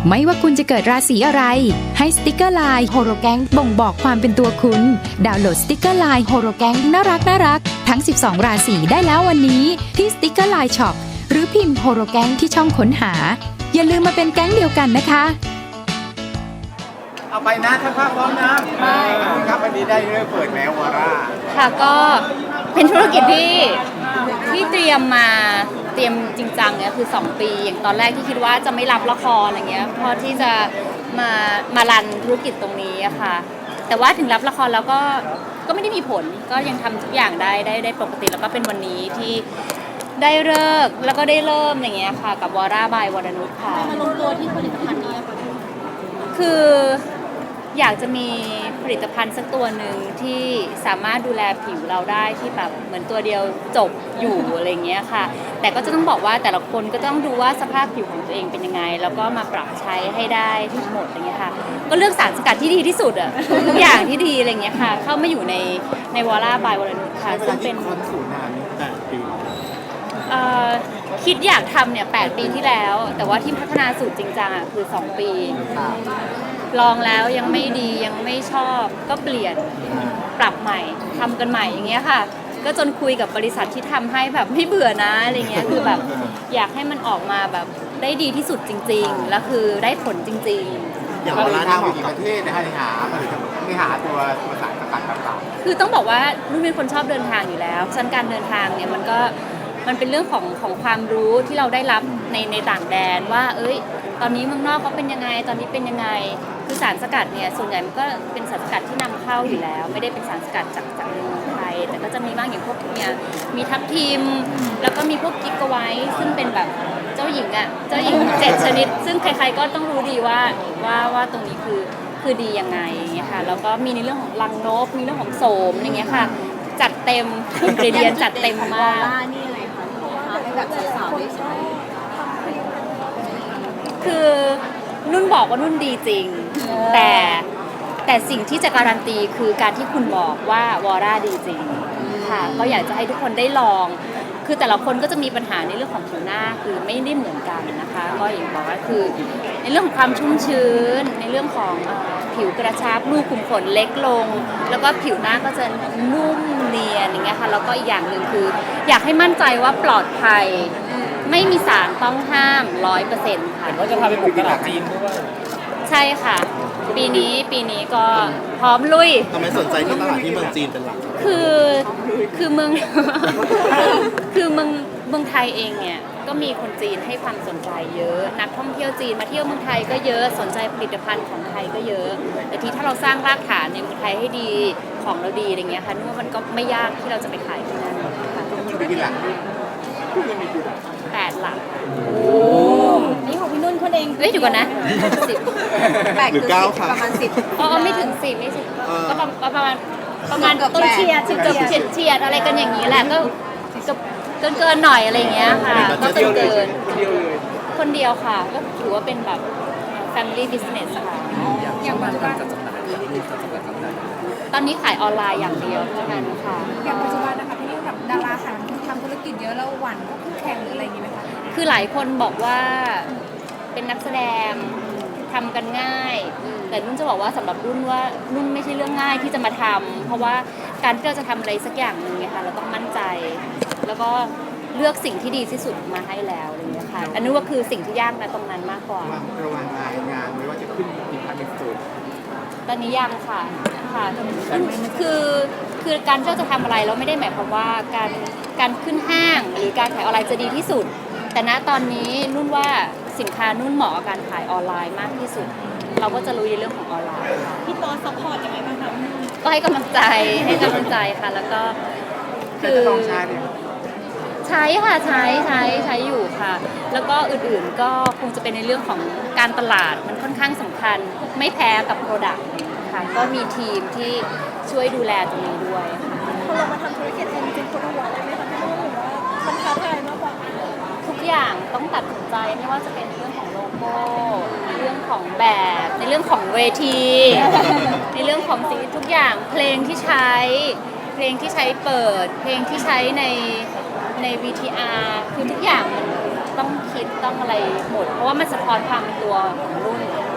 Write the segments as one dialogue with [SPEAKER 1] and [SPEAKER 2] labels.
[SPEAKER 1] ไม่ว่าคุณจะเกิดราศีอะไรให้สติกเกอร์ไลน์โฮโรแกงบ่งบอกความเป็นตัวคุณดาวน์โหลดสติกเกอร์ไลน์โฮโรแกงน่ารักทั้ง12ราศีได้แล้ววันนี้ที่สติกเกอร์ไลน์ช็อปหรือพิมพ์โฮโรแกงที่ช่องค้นหาอย่าลืมมาเป็นแก๊งเดียวกันนะคะ
[SPEAKER 2] เอาไปนะถ้าภาพพร้อมนะครับวันนี้ได้เริ่มเปิดแล้ววาร่า
[SPEAKER 3] ค่ะก็เป็นธุรกิจที่เตรียมจริงจังเนี่ยคือ2ปีอย่างตอนแรกที่คิดว่าจะไม่รับละครอะไรเงี้ยเพราะที่จะมารันธุรกิจตรงนี้อะค่ะแต่ว่าถึงรับละครแล้วก็ไม่ได้มีผลก็ยังทำทุกอย่างได้ปกติแล้วก็เป็นวันนี้ที่ได้เลิกแล้วก็ได้เริ่มอย่างเงี้ยค่ะกับวาร่าบายวรนุชค่ะ
[SPEAKER 4] มาลงตัวที่ผลิตภัณฑ์นี้ค่ะ
[SPEAKER 3] คืออยากจะมีผลิตภัณฑ์สักตัวหนึ่งที่สามารถดูแลผิวเราได้ที่แบบเหมือนตัวเดียวจบอยู่อะไรเงี้ยค่ะแต่ก็จะต้องบอกว่าแต่ละคนก็ต้องดูว่าสภาพผิวของตัวเองเป็นยังไงแล้วก็มาปรับใช้ให้ได้ทั้งหมดอะไรเงี้ยค่ะก็เลือกสารสกัดที่ดีที่สุดอะทุกอย่างที่ดีอะไรเงี้ยค่ะเข้ามาอยู่ในวอล่าบายวรนุชค่ะซึ่งเป็น
[SPEAKER 2] คนสูตรนานนี้8 ปี
[SPEAKER 3] คิดอยากทำเนี่ย8 ปีที่แล้วแต่ว่าที่พัฒนาสูตรจริงจังอ่ะคือ2 ปีลองแล้วยังไม่ดียังไม่ชอบก็เปลี่ยนปรับใหม่ทำกันใหม่อย่างเงี้ยค่ะก็จนคุยกับบริษัทที่ทำให้แบบไม่เบื่อนะอะไรเงี้ยคือแบบอยากให้มันออกมาแบบได้ดีที่สุดจริงๆแล้วคือได้ผลจริงๆ
[SPEAKER 2] อย่างวาร่าทางไปกี่ประเทศนะฮะไม่หาตัวสารสกัดต่าง
[SPEAKER 3] ๆคือต้องบอกว่านุ่นเป็นคนชอบเดินทางอยู่แล้วฉะนั้นการเดินทางเนี่ยมันเป็นเรื่องของความรู้ที่เราได้รับในต่างแดนว่าตอนนี้เมืองนอกเขาเป็นยังไงตอนนี้เป็นยังไงคือสารสกัดเนี่ยส่วนใหญ่มันก็เป็นสารสกัดที่นำเข้าอยู่แล้วไม่ได้เป็นสารสกัดจากเมืองไทยแต่ก็จะมีบ้างอย่างพวกเนี่ยมีทับทิมแล้วก็มีพวกกิกะไวท์ซึ่งเป็นแบบเจ้าหญิง7 ชนิดซึ่งใครๆก็ต้องรู้ดีว่าตรงนี้คือดียังไงอย่างเงี้ยค่ะแล้วก็มีในเรื่องของรังนกมีเรื่องของโสมอย่างเงี้ยค่ะจัดเต็มอินกรีเดียนจัดเต็มมาก
[SPEAKER 4] ให้แบบสาวๆได้ใช้
[SPEAKER 3] คือนุ่นบอกว่านุ่นดีจริงแต่สิ่งที่จะการันตีคือการที่คุณบอกว่าวอร่าดีจริงค่ะก็อยากจะให้ทุกคนได้ลองคือแต่ละคนก็จะมีปัญหาในเรื่องของผิวหน้าคือไม่ได้เหมือนกันนะคะก็อย่างบอกว่าคือในเรื่องของความชุ่มชื้นในเรื่องของผิวกระชับรูขุมขนเล็กลงแล้วก็ผิวหน้าก็จะนุ่มเนียนอย่างเงี้ยค่ะแล้วก็อีกอย่างหนึ่งคืออยากให้มั่นใจว่าปลอดภัยไม่มีสารต้องห้าม 100% ค่ะ
[SPEAKER 2] ก็จะพาไปบุกตลาดจีนด้วย
[SPEAKER 3] ใช่ค่ะปีนี้ก็พร้อมลุย
[SPEAKER 2] ทำไมสนใจที่ตลาดที่เมืองจีนเป็นหลัก
[SPEAKER 3] คือเมืองคือเมืองไทยเองเนี่ยก็มีคนจีนให้ความสนใจเยอะนักท่องเที่ยวจีนมาเที่ยวเมืองไทยก็เยอะสนใจผลิตภัณฑ์ของไทยก็เยอะแต่ที่ถ้าเราสร้างรากฐานในเมืองไทยให้ดีของเราดีอะไรเงี้ยค่ะนึกว่ามันก็ไม่ยากที่เราจะไปขายที่นั่นค่ะ
[SPEAKER 2] มีกี่หลัก
[SPEAKER 3] 8 หลัก
[SPEAKER 4] นี่ของพี่นุ่นคนเอง
[SPEAKER 3] เดี๋ยวก่อนนะ10
[SPEAKER 4] 8 หรือ 9 ค่ะประมาณ10
[SPEAKER 3] ไม่ถึง10ไม่ถึงก็ประมาณต้นเชียร์เฉียดอะไรกันอย่างนี้แหละก็เกินหน่อยอะไรเงี้ยค่ะก็เกินคนเดียวค่ะก็ถือว่าเป็นแบบ family business ค่ะ
[SPEAKER 4] อย่างปัจจุบัน
[SPEAKER 3] ตอนนี้ขายออนไลน์อย่างเดียวเท่านั้นค่ะ
[SPEAKER 4] อย่างปัจจุบันนะคะพี่นุ่นกับดาราค่ะทำธุรกิจเยอะแล้วหวั่นก็คู่แข่งหรืออะไรอย่างนี้ไหมคะ
[SPEAKER 3] คือหลายคนบอกว่าเป็นนักแสดงทำกันง่ายแต่นุ่นจะบอกว่าสำหรับนุ่นว่านุ่นไม่ใช่เรื่องง่ายที่จะมาทำเพราะว่าการที่เราจะทำอะไรสักอย่างหนึ่งเนี่ยค่ะเราต้องมั่นใจแล้วก็เลือกสิ่งที่ดีที่สุดมาให้แล้วอะไรอย่างเงี้ยค่ะอันนี้ว่าคือสิ่งที่ยากนะตรงนั้นมากกว่า
[SPEAKER 2] ระวังงานไม่ว่าจะขึ้นอีกพันเป็นสูตร
[SPEAKER 3] ตอนนี้ยังค่ะคือการที่เราจะทำอะไรเราไม่ได้หมายความว่าการขึ้นห้างหรือการขายออนไลน์จะดีที่สุดแต่ณตอนนี้นุ่นว่าสินค้านุ่นเหมาะกับการขายออนไลน์มากที่สุดเราก็จะรู้ในเรื่องของออนไลน์
[SPEAKER 4] พี่ตอนซัพพอร์ตยังไงบ้างคะ
[SPEAKER 3] ก็ให้กำลังใจค่ะแล้วก็
[SPEAKER 2] คือ
[SPEAKER 3] ใช้ค่ะใช้อยู่ค่ะแล้วก็อื่นๆก็คงจะเป็นในเรื่องของการตลาดมันค่อนข้างสำคัญไม่แพ้กับโปรดักต์ค่ะก็มีทีมที่ช่วยดูแลตรงนี้ด้วยค่ะ
[SPEAKER 4] พอเรามาทำธุรกิจเองจริงๆคนหัวเลยไหมคะพี่นุ่นหรือว่ามันท้าทายมากกว่า
[SPEAKER 3] ทุกอย่างต้องตัดสินใจไม่ว่าจะเป็นเรื่องของโลโก้ในเรื่องของแบบในเรื่องของเวทีในเรื่องของสิ่งทุกอย่างเพลงที่ใช้เปิดเพลงที่ใช้ใน VTR คือทุกอย่างต้องคิดต้องอะไรหมดเพราะว่ามันสะท้อนความเป็นตัวของรุ่น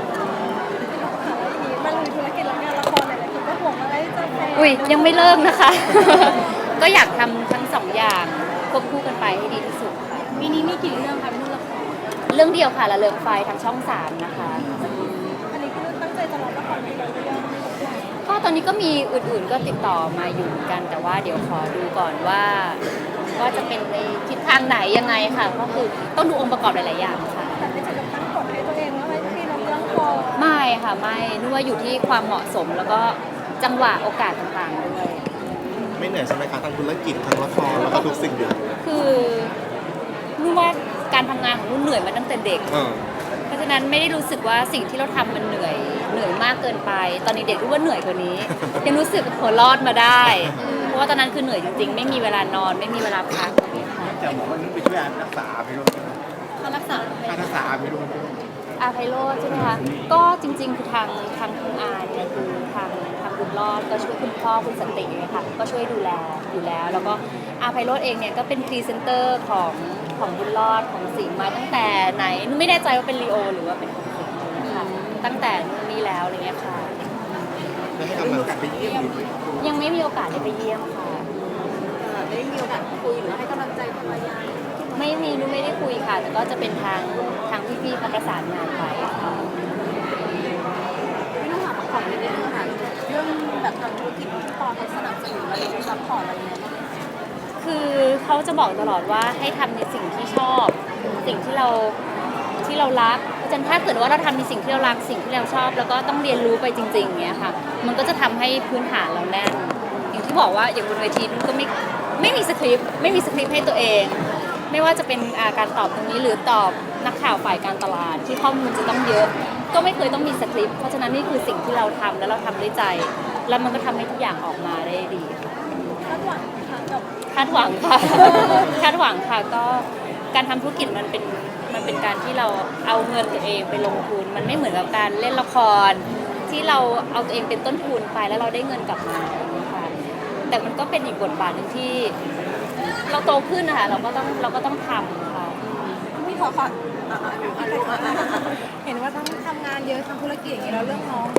[SPEAKER 4] มันมีธุรกิจแล้วงานละครหลายๆคนก็ห่วงว่าจะแพง
[SPEAKER 3] อุ้ยยังไม่เลิกนะคะ ก็อยากทำทั้งสองอย่างควบคู่กันไปให้ดีที่สุดค่ะ
[SPEAKER 4] ปีนี้มีกี่เรื่องคะพี่นุ่นละคร
[SPEAKER 3] เรื่องเดียวค่ะละเริงไฟทางช่อง 3นะคะ
[SPEAKER 4] อันนี้คือตั้งใจจะรับละครในเรื่อง
[SPEAKER 3] ก็ตอนนี้ก็มีอื่นๆก็ติดต่อมาอยู่เหมือนกัน แต่ว่าเดี๋ยวขอดูก่อนว่าจะเป็นในทิศทางไหนยังไงค่ะก็คือต้องดูองค์ประกอบหลายๆอย่างค่ะ
[SPEAKER 4] แต่ไม่ถึงกับตั้งกฎให้ตัวเองว่าไม่พี่รับเรื่องพอ
[SPEAKER 3] ไม่ค่ะไม่นึกว่าอยู่ที่ความเหมาะสมแล้วก็จังหวะโอกาสต่างๆด้วย
[SPEAKER 5] ไม่เหนื่อยใช่ไหมคะทั้งธุรกิจทั้งละครแล้วก็ทุกสิ่งอย่าง
[SPEAKER 3] คือนุ่นว่าการทำงานของนุ่นเหนื่อยมาตั้งแต่เด็ก เพราะฉะนั้นไม่ได้รู้สึกว่าสิ่งที่เราทำมันเหนื่อยมากเกินไป ตอนนี้เด็กรู้ว่าเหนื่อยกว่านี้ ยังรู้สึกหัวรอดมาได้ เพราะว่าตอนนั้นคือเหนื่อยจริงๆ ไม่มีเวลานอนไม่มีเวลาพักอย่างเงี้ยค่ะ
[SPEAKER 2] จะบอกว่านุ่นไปช่วยรักษาไปรุ่น
[SPEAKER 3] เขารักษา
[SPEAKER 2] ค่ารักษาไปรุ่น
[SPEAKER 3] อาไพโรจน์ใช่ไหมคะก็จริงๆคือทางคุณอาเนี่ยคือทางบุญรอดก็ช่วยคุณพ่อคุณสันตินะคะก็ช่วยดูแลอยู่แล้ว แล้วก็อาไพโรจน์เองเนี่ยก็เป็นพรีเซนเตอร์ของบุญรอดของสิงห์มาตั้งแต่ไหนนุ่นไม่แน่ใจว่าเป็นลีโอหรือว่าเป็นของสิงห์นะคะตั้งแต่นู่นนี่แล้วอะไรเงี้ยค่ะ
[SPEAKER 5] แล้วให้
[SPEAKER 2] ได้
[SPEAKER 5] กำ
[SPEAKER 2] มี
[SPEAKER 5] ลัง
[SPEAKER 2] โอกาสไปเยี่ยม
[SPEAKER 3] ยังไม่มีโอกาสได้ไปเยี่ยมค่ะ
[SPEAKER 4] ได้มีโอกาสคุยหรือให้กำลังใจภรรยา
[SPEAKER 3] ไม่มีนุ่นไม่ได้คุยค่ะ แต่ก็จะเป็นทางพี่ๆเขาประสานงานไปค่ะ
[SPEAKER 4] พี่นุ่นถามของนิดนึงค่ะเรื่องแบบทำธุรกิจที่ปอเขาสนับสนุนอะไรซัพพอร์ตอะไรเงี้ย
[SPEAKER 3] คือเขาจะบอกตลอดว่าให้ทำในสิ่งที่ชอบ สิ่งที่เรารักเพราะฉะนั้นถ้าเกิดว่าเราทำในสิ่งที่เรารักสิ่งที่เราชอบ แล้วก็ต้องเรียนรู้ไปจริงๆอย่างเงี้ยค่ะ มันก็จะทำให้พื้นฐานเราแน่นอย่างที่บอกว่าอย่างบนเวทีมันก็ไม่มีสคริปต์ให้ตัวเอง ไม่ว่าจะเป็นการตอบตรงนี้หรือตอบนักข่าวฝ่ายการตลาดที่ข้อมูลจะต้องเยอะ ก็ไม่เคยต้องมีสคริปต์เพราะฉะนั้นนี่คือสิ่งที่เราทำแล้วเราทำด้วยใจ แล้วมันก็ทำให้ทุกอย่างออกมาได้ดีค่ะ
[SPEAKER 4] คาดหวังค่ะกับ
[SPEAKER 3] คาดหวังค่ะ คาดหวังค่ะก็การทำธุรกิจมันเป็นการที่เราเอาเงินตัวเองไปลงทุน มันไม่เหมือนกับการเล่นละคร ที่เราเอาตัวเองเป็นต้นทุนไปแล้วเราได้เงินกลับมาอย่างนี้ค่ะแต่มันก็เป็นอีกบทบาทหนึ่งที่เราโตขึ้นนะคะเราก็ต้องทำค่ะ
[SPEAKER 4] พี่ขอเห็นว่าต้องทำงานเยอะทำธุรกิจอย่างนี้แล้วเรื่องน้อง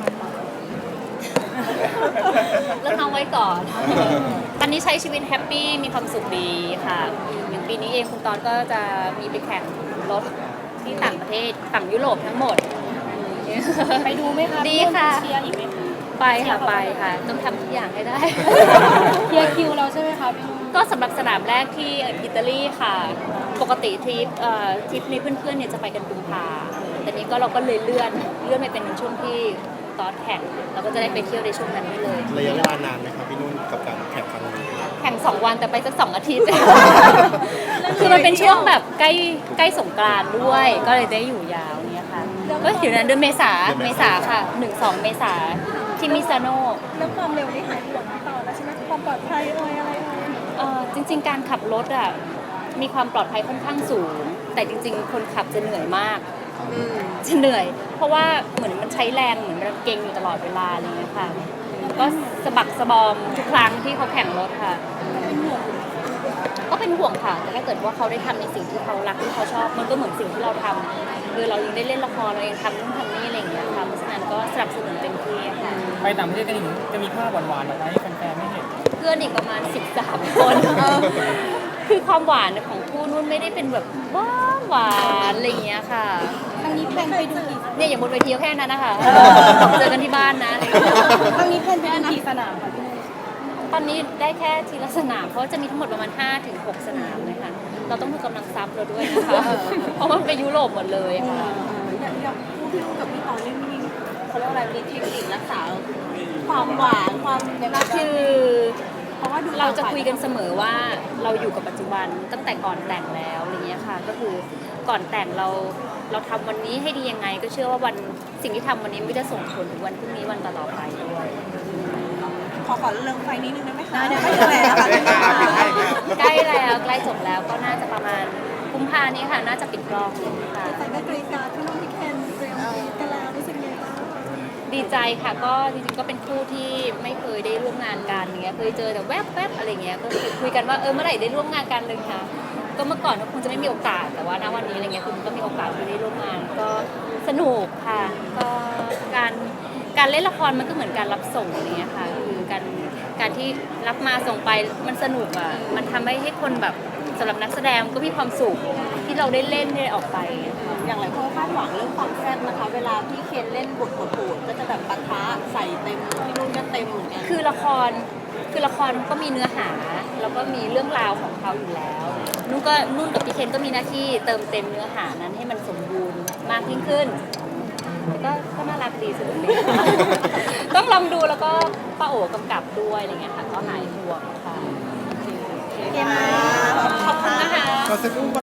[SPEAKER 3] เรื่องน้องไว้ก่อน ตอนนี้ใช้ชีวิตแฮปปี้มีความสุขดีค่ะอย่างปีนี้เองคุณตอนก็จะมีไปแข่งรถที่ต่างประเทศฝั่งยุโรปทั้งหมด
[SPEAKER 4] ไปดูไหมคะ
[SPEAKER 3] ดีค่ะ
[SPEAKER 4] เชียร์อีกไหมคะ
[SPEAKER 3] ไปค่ะต้องทำทุกอย่างให้ได้
[SPEAKER 4] เคลียร์คิวเราใช่ไหมคะพี่นุ่น
[SPEAKER 3] ก็สำหรับสนามแรกที่อิตาลีค่ะ ปกติทริปนี้เพื่อนๆเนี่ยจะไปกันกุมภาแต่นี้ก็เราก็เลยเลื่อนไปเป็นช่วงที่ตอนแข่งเราก็จะได้ไปเที่ยวในช่วงนั้นได้เลย
[SPEAKER 5] ระยะเวลานานไหมครับพี่นุ่นกับการแข่งครั้งนี้
[SPEAKER 3] แข่ง2 วันแต่ไปสัก2 อาทิตย์ คือมันเป็นช่วงแบบใกล้สงกรานต์ด้วย ก็เลยได้อยู่ยาวเนี่ยค่ะก็อยู่ในเดือนเมษาค่ะ 1-2 เมษาที่มิซานโน
[SPEAKER 4] แล้วความเร็วนี่หายห่วงต่อแล้วใช่ไหมความปลอดภัยอะไร
[SPEAKER 3] จริงๆการขับรถอ่ะมีความปลอดภัยค่อนข้างสูง แต่จริงๆ คนขับจะเหนื่อยมากจะเหนื่อย เพราะว่าเหมือนมันใช้แรงเหมือนเราเก่งอยู่ตลอดเวลาอะไรอย่างเงี้ยค่ะก็สะบักสะบอมทุกครั้งที่เขาแข่งรถค่ะ ก็เป็นห่วงค่ะ แต่ถ้าเกิดว่าเขาได้ทำในสิ่งที่เขารักที่เขาชอบ มันก็เหมือนสิ่งที่เราทำคือเรายังได้เล่นละครเรายังทำนู่นทำนี่อะไรอย่างเงี้ยค่ะเพราะฉะนั้นก็สนับสนุนเต็มที่ค่ะ
[SPEAKER 6] ไปต่างประเทศกันอีกจะมีภาพหวานๆอะไรให้แฟนๆไม่เห็น
[SPEAKER 3] เพื่อนอีกประมาณ13 คน คือความหวานของคู่นุ่นไม่ได้เป็นแบบหวานอะไรอย่างเงี้ยค่ะ
[SPEAKER 4] ครั้งนี้แพลนไปดูกี่
[SPEAKER 3] เนี่ยอย่างบนเวทีก็แค่นั้นนะคะเจอกันที่บ้านนะอะไรอย่างเงี้ย
[SPEAKER 4] ครั้งนี้แพลนไปดูกี่สนามคะพี่นุ่น
[SPEAKER 3] ตอนนี้ได้แค่ทีละสนามเพราะจะมีทั้งหมดประมาณ 5-6 สนามเลยค่ะเราต้องดูกำลังซับเราด้วยนะคะ เพราะว่ามันไปยุโรปหมดเลยค่ะ
[SPEAKER 4] อย่างคู่พี่นุ่นกับพี่ตอนนี่มีเขาเรียกว่าอะไรมีเทคนิครักษาความหวานความในรัก
[SPEAKER 3] คือ
[SPEAKER 4] เพราะว่าดู
[SPEAKER 3] เราจะคุยกันเสมอว่าเราอยู่กับปัจจุบันตั้งแต่ก่อนแต่งแล้วอะไรเงี้ยค่ะ ก็คือก่อนแต่งเราทำวันนี้ให้ดียังไง ก็เชื่อว่าสิ่งที่ทำวันนี้ไม่ได้ส่งผลถึงวันพรุ่งนี้วันต่อๆไปด้วย
[SPEAKER 4] ขอเรื่องไฟนิดนึงได้ไหมคะได้แล้วค่ะ
[SPEAKER 3] ใกล้แล้วใกล้จบแล้วก็น่าจะประมาณกุมภานี้ค่ะ น่าจะปิดกล้องค่ะ
[SPEAKER 4] แต่ได้กรีการพี่นุ่นพี่แคนเตรียมกันแล้วรู้สึกไงบ้าง
[SPEAKER 3] ดีใจค่ะก็จริงๆก็เป็นคู่ที่ไม่เคยได้ร่วมงานกันอย่างเงี้ยเคยเจอแต่แวบๆอะไรเงี้ยก็คุยกันว่าเมื่อไหร่ได้ร่วมงานกันเลยค่ะก็เมื่อก่อนก็คงจะไม่มีโอกาสแต่ว่าณวันนี้อะไรเงี้ยคือมันก็มีโอกาสที่ได้ร่วมงานก็สนุกค่ะก็การเล่นละครมันก็เหมือนการรับส่งอะไรเงี้ยค่ะคือการที่รับมาส่งไปมันสนุกอ่ะมันทำให้คนแบบสำหรับนักแสดงก็มีความสุขที่เราได้เล่นได้ออกไปค่ะ
[SPEAKER 4] อย่างไรเพราะคาดหวังเรื่องความแซ่บนะคะ เวลาพี่เคนเล่นบทโหดๆก็จะแบบปะทะใส่เต็มพี่นุ่นก็เต็มเหมือนกัน
[SPEAKER 3] คือละครมันก็มีเนื้อหาแล้วก็มีเรื่องราวของเขาอยู่แล้วนุ่นกับพี่เคนก็มีหน้าที่เติมเต็มเนื้อหานั้นให้มันสมบูรณ์มากยิ่งขึ้นก็น่ารักดีสนุกดี ต้องลองดูแล้วก็ป้าโอ๋กำกับด้วยอะไรเงี้ยค่ะก็หายห่วงค่ะโอเคขอบคุณนะคะ
[SPEAKER 5] ขอสักครู่